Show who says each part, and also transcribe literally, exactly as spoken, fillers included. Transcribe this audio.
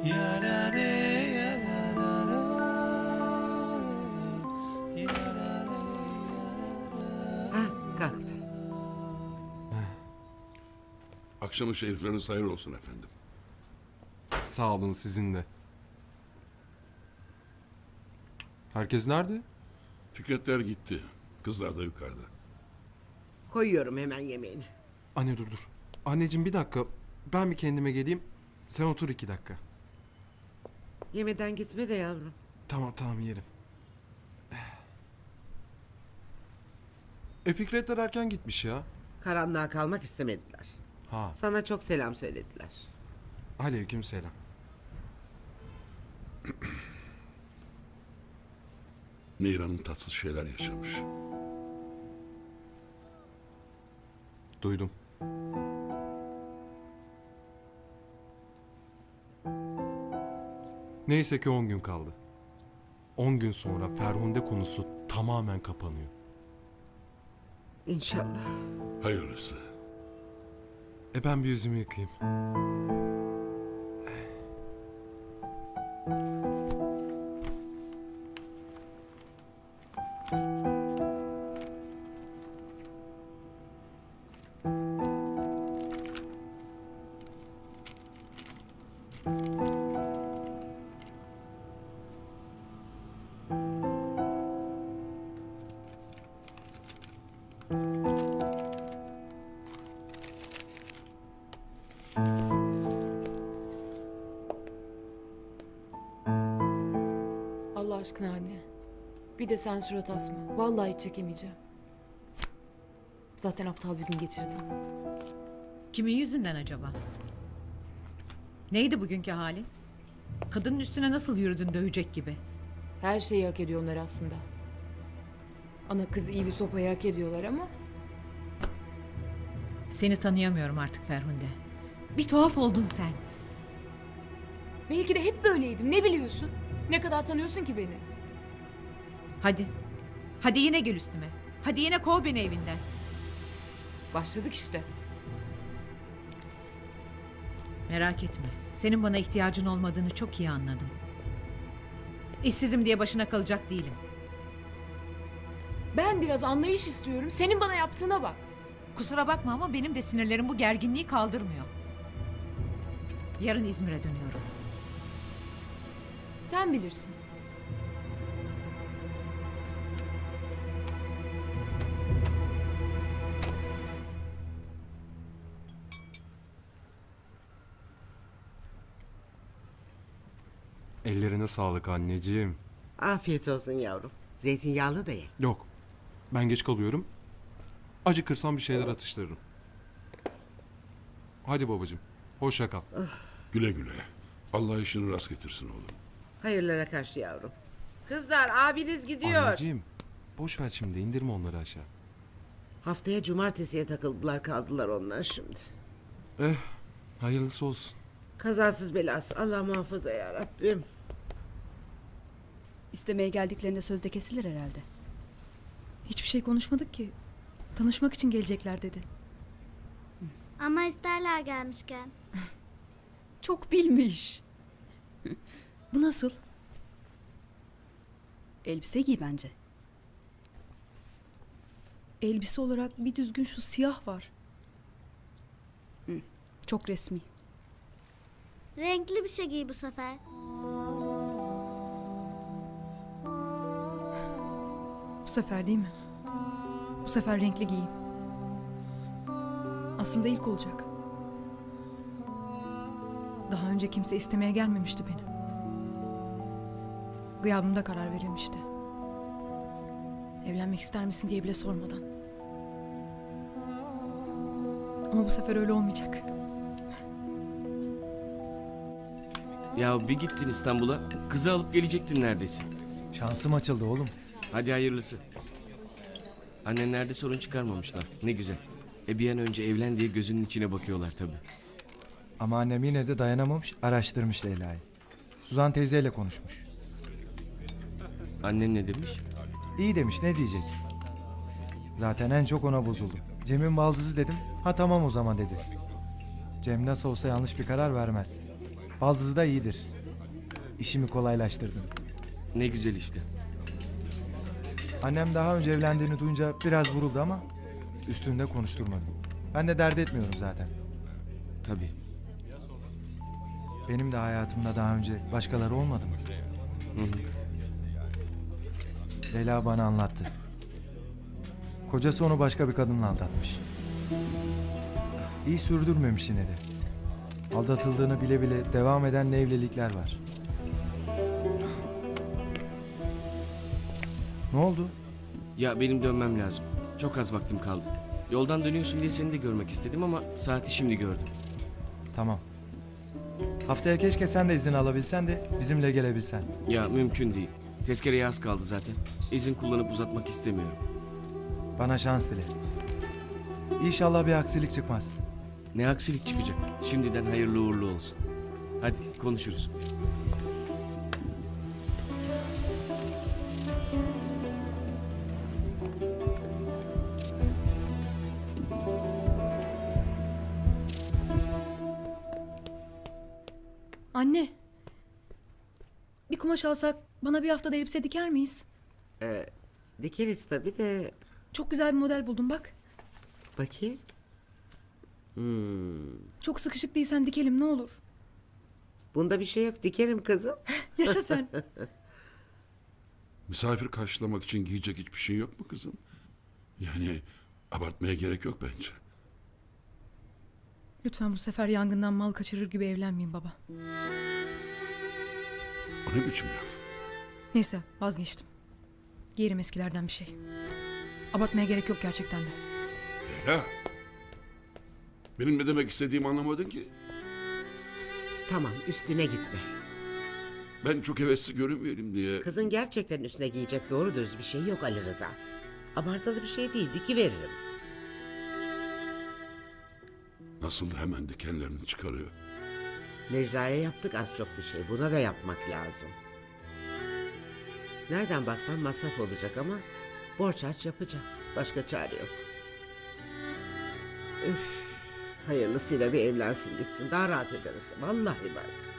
Speaker 1: Ha, kalktı.
Speaker 2: Akşamı şerifleriniz hayır olsun efendim.
Speaker 3: Sağ olun, sizin de. Herkes nerede?
Speaker 2: Fikretler gitti. Kızlar da yukarıda.
Speaker 1: Koyuyorum hemen yemeğini.
Speaker 3: Anne dur dur. Anneciğim bir dakika. Ben bir kendime geleyim. Sen otur iki dakika.
Speaker 1: Yemeden gitme de yavrum.
Speaker 3: Tamam tamam yerim. E Fikretler erken gitmiş ya.
Speaker 1: Karanlığa kalmak istemediler.
Speaker 3: Ha.
Speaker 1: Sana çok selam söylediler.
Speaker 3: Aleyküm selam.
Speaker 2: Nehir tatsız şeyler yaşamış.
Speaker 3: Duydum. Neyse ki on gün kaldı. On gün sonra Ferhunde konusu tamamen kapanıyor.
Speaker 1: İnşallah.
Speaker 2: Hayırlısı.
Speaker 3: E ben bir yüzümü yıkayayım.
Speaker 4: Allah aşkına anne. Bir de sen surat asma. Vallahi hiç çekemeyeceğim. Zaten aptal bir gün geçirdim.
Speaker 5: Kimin yüzünden acaba? Neydi bugünkü halin? Kadının üstüne nasıl yürüdün dövecek gibi?
Speaker 4: Her şeyi hak ediyorlar aslında. Ana kız iyi bir sopayı hak ediyorlar ama...
Speaker 5: Seni tanıyamıyorum artık Ferhunde. Bir tuhaf oldun sen.
Speaker 4: Belki de hep böyleydim, ne biliyorsun? Ne kadar tanıyorsun ki beni?
Speaker 5: Hadi. Hadi yine gel üstüme. Hadi yine kov beni evinden.
Speaker 4: Başladık işte.
Speaker 5: Merak etme. Senin bana ihtiyacın olmadığını çok iyi anladım. İşsizim diye başına kalacak değilim.
Speaker 4: Ben biraz anlayış istiyorum. Senin bana yaptığına bak.
Speaker 5: Kusura bakma ama benim de sinirlerim bu gerginliği kaldırmıyor. Yarın İzmir'e dönüyorum.
Speaker 4: Sen bilirsin.
Speaker 3: Ellerine sağlık anneciğim.
Speaker 1: Afiyet olsun yavrum. Zeytinyağlı da ye.
Speaker 3: Yok. Ben geç kalıyorum. Acıkırsam bir şeyler atıştırırım. Hadi babacığım. Hoşça kal.
Speaker 2: Güle güle. Allah işini rast getirsin oğlum.
Speaker 1: Hayırlara karşı yavrum. Kızlar abiniz gidiyor.
Speaker 3: Anneciğim. Boş ver şimdi. İndirme onları aşağı.
Speaker 1: Haftaya cumartesiye takıldılar kaldılar onlar şimdi.
Speaker 3: Eh. Hayırlısı olsun.
Speaker 1: Kazasız belası. Allah muhafaza ya Rabbim.
Speaker 6: İstemeye geldiklerinde sözde kesilir herhalde.
Speaker 7: Hiçbir şey konuşmadık ki. Tanışmak için gelecekler dedi.
Speaker 8: Ama isterler gelmişken.
Speaker 7: Çok bilmiş. Bu nasıl?
Speaker 6: Elbise giy bence.
Speaker 7: Elbise olarak bir düzgün şu siyah var.
Speaker 6: Çok resmi.
Speaker 8: Renkli bir şey giy bu sefer.
Speaker 7: Bu sefer değil mi? Bu sefer renkli giyeyim. Aslında ilk olacak. Daha önce kimse istemeye gelmemişti beni. Gıyabımda karar verilmişti. Evlenmek ister misin diye bile sormadan. Ama bu sefer öyle olmayacak.
Speaker 9: Ya bir gittin İstanbul'a, kızı alıp gelecektin neredeyse.
Speaker 10: Şansım açıldı oğlum.
Speaker 9: Hadi hayırlısı. Annenlerde sorun çıkarmamışlar. Ne güzel. E bir an önce evlen diye gözünün içine bakıyorlar tabii.
Speaker 10: Ama annem yine de dayanamamış, araştırmış Leyla'yı. Suzan teyzeyle konuşmuş.
Speaker 9: Annen ne demiş?
Speaker 10: İyi demiş, ne diyecek? Zaten en çok ona bozuldu. Cem'in baldızı dedim, ha tamam o zaman dedi. Cem nasıl olsa yanlış bir karar vermez. Baldızı da iyidir. İşimi kolaylaştırdım.
Speaker 9: Ne güzel işte.
Speaker 10: Annem daha önce evlendiğini duyunca biraz vuruldu ama üstünde konuşturmadım. Ben de dert etmiyorum zaten.
Speaker 9: Tabii.
Speaker 10: Benim de hayatımda daha önce başkaları olmadı mı?
Speaker 9: Hı hı.
Speaker 10: Leyla bana anlattı. Kocası onu başka bir kadınla aldatmış. İyi sürdürmemiş yine de. Aldatıldığını bile bile devam eden evlilikler var. Ne oldu?
Speaker 9: Ya benim dönmem lazım. Çok az vaktim kaldı. Yoldan dönüyorsun diye seni de görmek istedim ama saati şimdi gördüm.
Speaker 10: Tamam. Haftaya keşke sen de izin alabilsen de bizimle gelebilsen.
Speaker 9: Ya mümkün değil. Tezkereye az kaldı zaten. İzin kullanıp uzatmak istemiyorum.
Speaker 10: Bana şans dile. İnşallah bir aksilik çıkmaz.
Speaker 9: Ne aksilik çıkacak. Şimdiden hayırlı uğurlu olsun. Hadi konuşuruz.
Speaker 7: Anne. Bir kumaş alsak bana bir haftada elbise diker miyiz?
Speaker 1: Ee, dikeriz tabii de
Speaker 7: Çok güzel bir model buldum bak.
Speaker 1: bakayım. Hmm.
Speaker 7: Çok sıkışık değilsen dikelim ne olur.
Speaker 1: Bunda bir şey yok, dikerim kızım.
Speaker 7: Yaşa sen.
Speaker 2: Misafir karşılamak için giyecek hiçbir şey yok mu kızım? Yani abartmaya gerek yok bence.
Speaker 7: Lütfen bu sefer yangından mal kaçırır gibi evlenmeyin baba.
Speaker 2: O ne biçim laf?
Speaker 7: Neyse vazgeçtim. Giyerim eskilerden bir şey. Abartmaya gerek yok gerçekten de.
Speaker 2: Leyla. Benim ne demek istediğimi anlamadın ki.
Speaker 1: Tamam, üstüne gitme.
Speaker 2: Ben çok hevesli görünmeyelim diye.
Speaker 1: Kızın gerçekten üstüne giyecek doğru dürüst bir şey yok Ali Rıza. Abartılı bir şey değil, diki veririm.
Speaker 2: Nasıl da hemen dikenlerini çıkarıyor.
Speaker 1: Necla'ya yaptık az çok bir şey, buna da yapmak lazım. Nereden baksan masraf olacak ama borç harç yapacağız. Başka çare yok. Üf, hayırlısıyla bir evlensin gitsin, daha rahat ederiz. Vallahi bak.